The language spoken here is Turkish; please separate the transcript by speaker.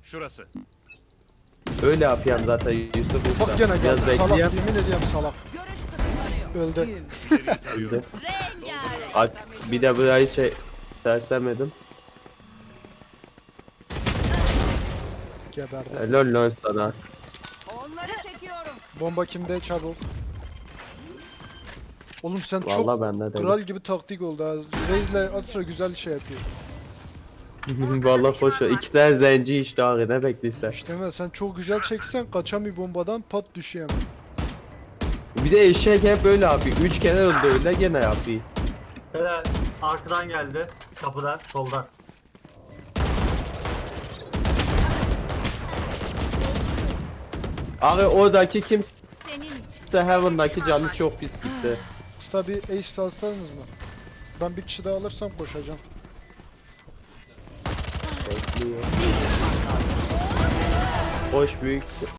Speaker 1: Şurası.
Speaker 2: Öyle yapayım zaten Yusuf Usta.
Speaker 3: Bak gene
Speaker 2: Biraz
Speaker 3: geldi salak,
Speaker 2: bekleyeyim.
Speaker 3: yemin ediyorum salak.
Speaker 4: Görüş kısıtlanıyor.
Speaker 3: Öldü.
Speaker 1: İleriyi tarıyorum.
Speaker 4: Rengarenk.
Speaker 2: Bir de burayı sersemedim.
Speaker 3: Geberdi.
Speaker 2: Helal lan sana.
Speaker 4: Onları çekiyorum.
Speaker 3: Bomba kimde çabuk. Oğlum sen
Speaker 2: Vallahi
Speaker 3: çok
Speaker 2: bende de.
Speaker 3: kral gibi taktik oldu ha. Reis'le Atra güzel şey yapıyor.
Speaker 2: Vallahi hoş. İki tane zenci işte abi ne bekliyorsun?
Speaker 3: İşte mi? Sen çok güzel çeksen kaçan bir bombadan pat düşüyor.
Speaker 2: Bir de eşek hep böyle yapıyor. 3 kere öldü öyle gene yapıyor.
Speaker 5: Helal. Arkadan geldi. Kapıdan, soldan.
Speaker 2: Abi oradaki kimse
Speaker 4: Senin için.
Speaker 2: Heaven'daki canı çok pis gitti.
Speaker 3: Usta bir ace salsanız mı? Ben bir kişi daha alırsam koşacağım.
Speaker 2: Bekliyor. Hoş büyük.